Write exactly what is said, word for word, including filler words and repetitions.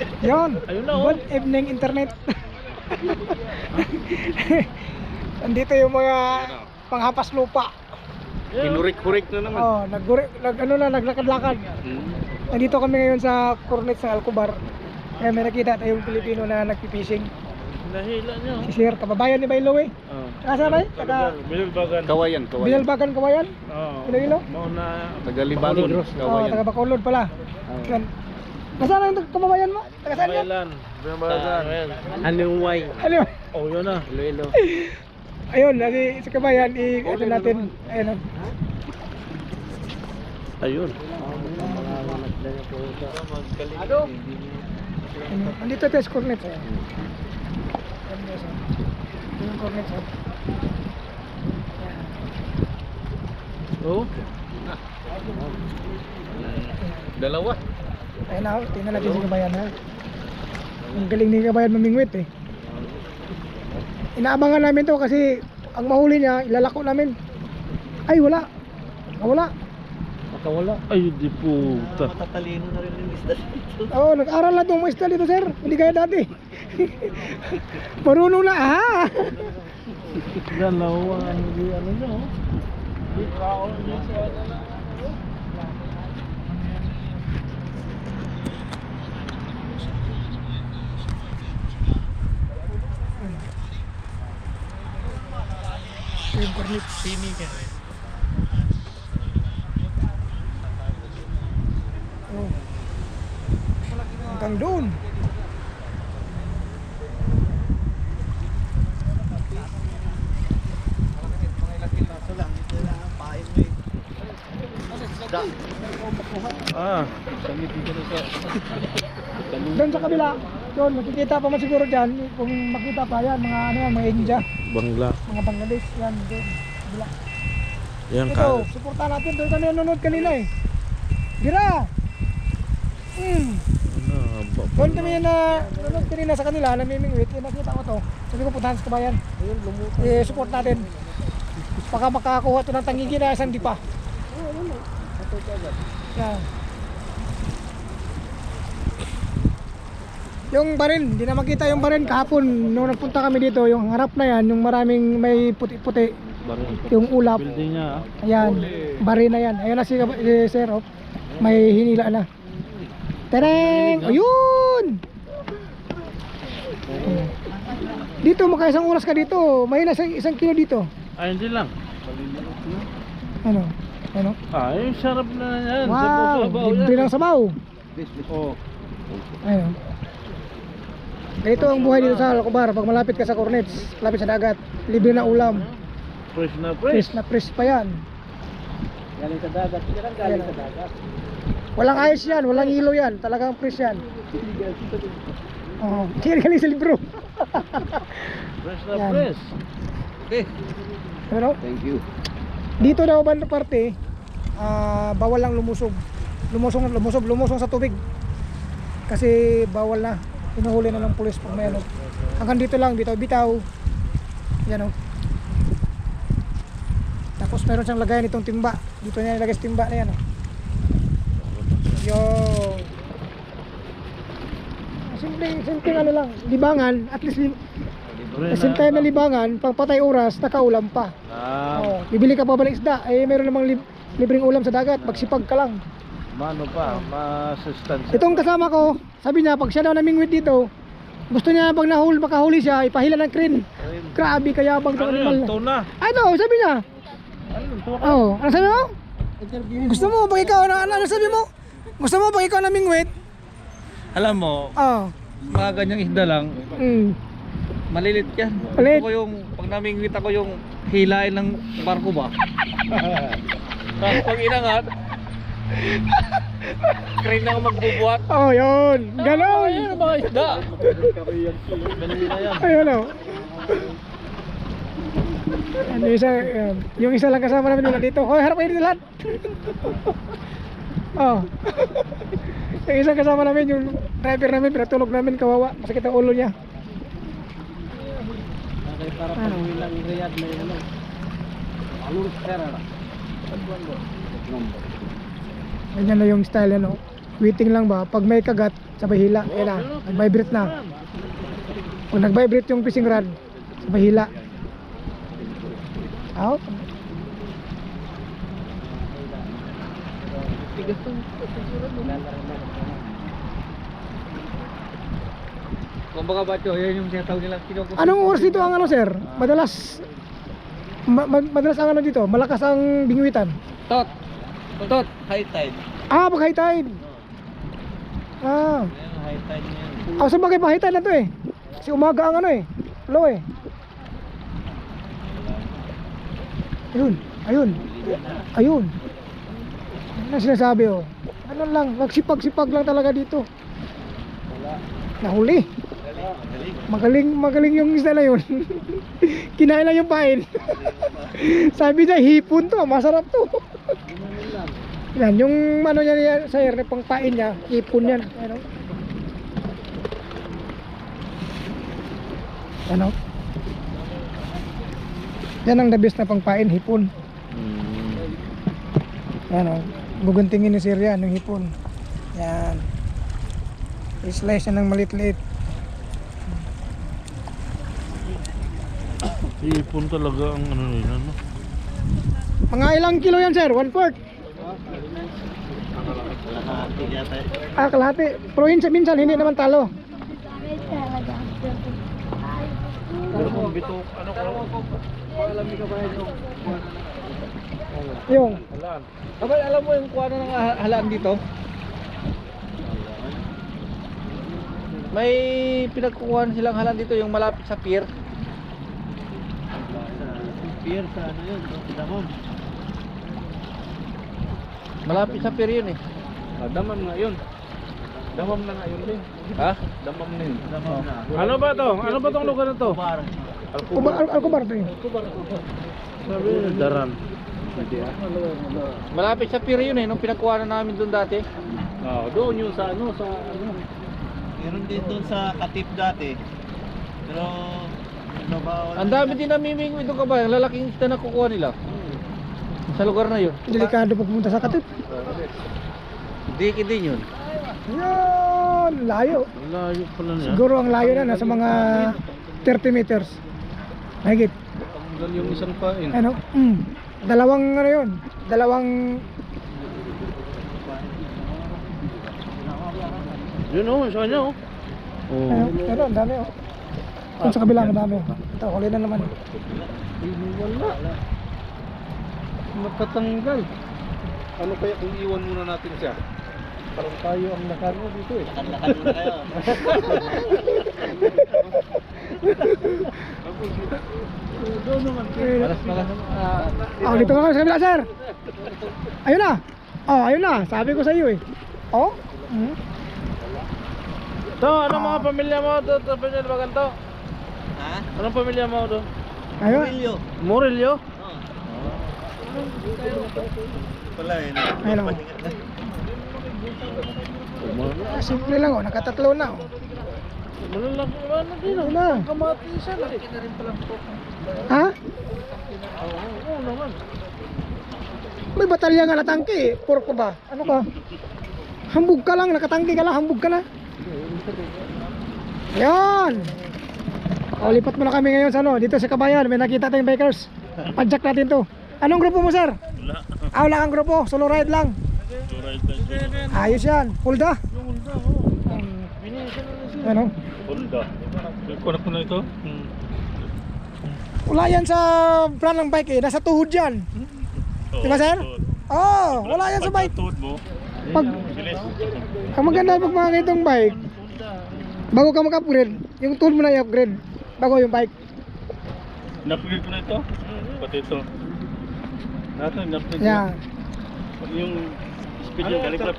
Yun. Ayun na, oh. Good evening internet. Andito yung mga panghapas lupa. Hinurik-hurik na naman. Oh, naggurik, nag ano na, naglakad-lakad. Hmm. Nandito kami ngayon sa Cornets ng Alcobar. Kaya may nakita tayong Pilipino na nagpipishing. Nahila niya. Si Sir, kababayan ni Baylo eh. Oh. Kasa ba eh? Taga Bilbagan. Kawayan, kawayan. Binalbagan, Kawayan? Oo. Iloilo? Mauna. Tagalibadon, Oh, kawayan. taga Bacolod pala. Yan. Nasaan ang kababayan mo? Taga saan yan? Bayalan. Bilbagan. Anong way? Ano yun? Oh, yun na. Iloilo. Ayun, nasi, sa kabayan, i- ano natin, ayun. Ayun. Ano? Andito tayo sa Cornets eh. Ito yung Cornets eh. Oh. Dalawa. Ayun na, tingnan natin si kabayan ha. Ang galing ni kabayan mamingwit eh. Inaabangan namin to kasi ang mahuli niya, ilalako namin. Ay, wala. Wala. Makawala. Ay, di puta. Matatalino na rin yung isda dito. Oo, oh, nag-aral na itong mga isda dito, sir. Hindi kaya dati. Marunong na, aha! Dalawa ang di ano niya, oh. Di kao niya sa Yung Cornets. sini ka. Oh. Hanggang doon. Ah. Doon sa kabila. Doon, makikita pa man siguro dyan. Kung makita pa yan, mga ano yan, mga India. Bangla. Mga Bangladesh, yan. Doon. Kabila. Yan Ito, ka. suportahan natin. Doon kami nanonood kanina eh. Gira! Hmm. Ano, ba- Doon kami na nanonood kanina sa kanila, namimingwit. Eh, nakita ko to. Sabi ko puntahan sa kabayan. Eh, support natin. Baka makakuha to ng tangigi na isang dipa. Yan. Yung barin, hindi na makita yung barin kahapon nung nagpunta kami dito, yung harap na yan, yung maraming may puti-puti, yung ulap. Building niya, ah. Ayan, barin na yan. Ayun na si, si Sir, oh. May hinila na. Tereng! Ayun! Dito, makaisang oras ka dito. May na isang, isang kilo dito. Ay, hindi lang. Ano? Ano? Ay, sarap na yan. Wow! Sabaw-sabaw Libre yan. ng sabaw. Oh. Ayun. Ganito ang buhay dito sa Alcobar. Pag malapit ka sa Cornets, malapit sa dagat, libre na ulam. Fresh na Fresh fresh. na fresh pa yan. Galing sa dagat. Hindi lang galing sa dagat. Walang ice yan, walang ilo yan. Talagang fresh yan. Oo. Hindi galing sa libro. Fresh na Yan. fresh. Okay. Ano? Thank you. Dito daw banda parte, ah, bawal lang lumusog. Lumusong, lumusog, lumusong sa tubig. Kasi bawal na. Hinuhuli na ng pulis pag may ano. Hanggang dito lang, bitaw-bitaw. Yan o. Tapos meron siyang lagayan itong timba. Dito niya nilagay sa timba na yan o. Yo. Simple, simple ano lang, libangan, at least li- Libre kasi time na libangan, pag patay oras, nakaulam pa. Ah, Oh, bibili ka pa ba ng isda? Eh, meron namang lib libreng ulam sa dagat, magsipag ka lang. mano pa, masustansya. Itong kasama ko, sabi niya, pag siya daw namingwit dito, gusto niya pag nahul, makahuli siya, ipahila ng crane. Grabe, kayabang Ano itong yun? animal. Tuna. Ano, sabi niya. Ano yun? Tuna. Oh, ano sabi mo? Gusto mo, pag ikaw, ano, ano sabi mo? Gusto mo, pag ikaw namingwit? Alam mo, Oh, mga ganyang isda lang, mm. malilit yan. Malit? Gusto ko yung, pag namingwit ako yung hilain ng barko ba? Tapos pag inangat, crane na ako magbubuhat. Oh, yun. Ganon. Ayun ang mga isda. Ganun na yan. Ayun o. Ano isa, yun. Yung isa lang kasama namin nila dito. Hoy, harap kayo dito lahat. Oh. Yung isang kasama namin, yung driver namin, pinatulog namin, kawawa. Masakit ang ulo niya. Para Ano? pag lang Riyadh may ano. Alur pera. Ganyan na yung style, ano. Waiting lang ba? Pag may kagat, sabay hila. Ayan na, nag-vibrate na. Pag nag-vibrate yung fishing rod, sabay hila. Out. Tigas to. Kung baka ba ito, yan yung sinatawag nilang kinukuha. Anong oras dito ang ano sir? Madalas ma- ma- madalas ang ano dito, malakas ang bingwitan. Tot. Tot. High tide. Ah, pag high tide. Ah, Ayan, high tide niyan. ah sa bagay pa high tide na to eh. Kasi umaga ang ano eh, low eh. Ayun, ayun. Ayun. Ano na sinasabi oh? Ano lang, magsipag-sipag lang talaga dito. Nahuli. Magaling, magaling yung isda na yun. Kinain lang yung pain. Sabi niya, hipon to, masarap to. Yan, yung ano niya niya, sir, na pang pain niya, hipon yan. Ano? Ano? Yan ang the best na pang pain, hipon. Yan o, guguntingin ni sir yan, yung hipon. Yan. I-slice niya ng malit-lit. Ipon talaga ang ano nila, no? Mga ilang kilo yan sir? One fourth? Ah, kalahati. Pero yun, minsan hindi naman talo. Pero kung bito, ano ko? Alam mo ka ba ito? Yung, Halaan. Abay, alam mo yung kuha na ng ah- halaan dito? May pinagkukuhan silang halaan dito, yung malapit sa pier. Pier sa ano yun, sa Damam. Malapit sa pier yun eh. Ah, Damam nga yun. Damam na nga yun din. Ha? Damam na yun. Damam na. Ano ba to? Ano ba tong lugar na to? Bar. Kubar, al alkubar to eh. Sabi nila, daran. Malapit sa pier yun eh, nung pinagkuha na namin doon dati. Oh, doon yung sa ano, sa ano. Meron din doon sa Katip dati. Pero ano ba? Ang dami din namimingwit doon kabayan, lalaking isda na kukuha nila. Sa lugar na yun. Delikado pag pumunta sa Katip. Diki din yun. Yan, layo. Ang layo pala niya. Siguro ang layo na, nasa mga thirty meters. Mahigit. Tanggal yung isang pain. Ano? Mm. Dalawang ano yun? Dalawang Yun oh, sa kanya oh. ano? Pero ang dami oh. Doon sa kabila ang dami. Ito, huli na naman. Wala. Matatanggal. Ano kaya kung iwan muna natin siya? Parang tayo ang nakano dito eh. Lakad muna kayo. Doon naman. Malas malas. Ah, Oh, dito ka sa kabila, sir. Ayun na. Oh, ayun na. Sabi ko sa iyo eh. Oh. Mm. To, ano mga pamilya mo to? To pamilya ba ganito? Ha? Anong pamilya mo to? Ayun. Murillo. Murillo? Pala eh. Ayun oh. Simple lang oh, nakatatlo na oh. Malalaki ba na din oh? Ayun na. Kamatisan eh. Ha? Oo, oo naman. May batalya nga natangke eh. Porko ba? Ano ka? Hambog ka lang, nakatangke ka lang, hambog ka na. Yan. O, lipat mo na kami ngayon sa ano, dito sa Kabayan, may nakita tayong bikers. Padjak natin to. Anong grupo mo, sir? Wala. Ah, wala kang grupo, solo ride lang. Alright, alright. Ayos yan, Hulda. Yung ulda oh. Binisan na siya. Ano? Ulda. Kunak ko na ito. Hmm. Wala yan sa brand ng bike eh, nasa tuhod yan. Di ba, sir? Oo, oh, wala yan sa bike. Tuod mo. Pag, ang maganda pag mga ganitong bike, bago ka mag-upgrade, yung tool mo na i-upgrade bago yung bike. Na-upgrade ko na ito. Pati ito. Nato, na-upgrade Yan. Yung speed yung galing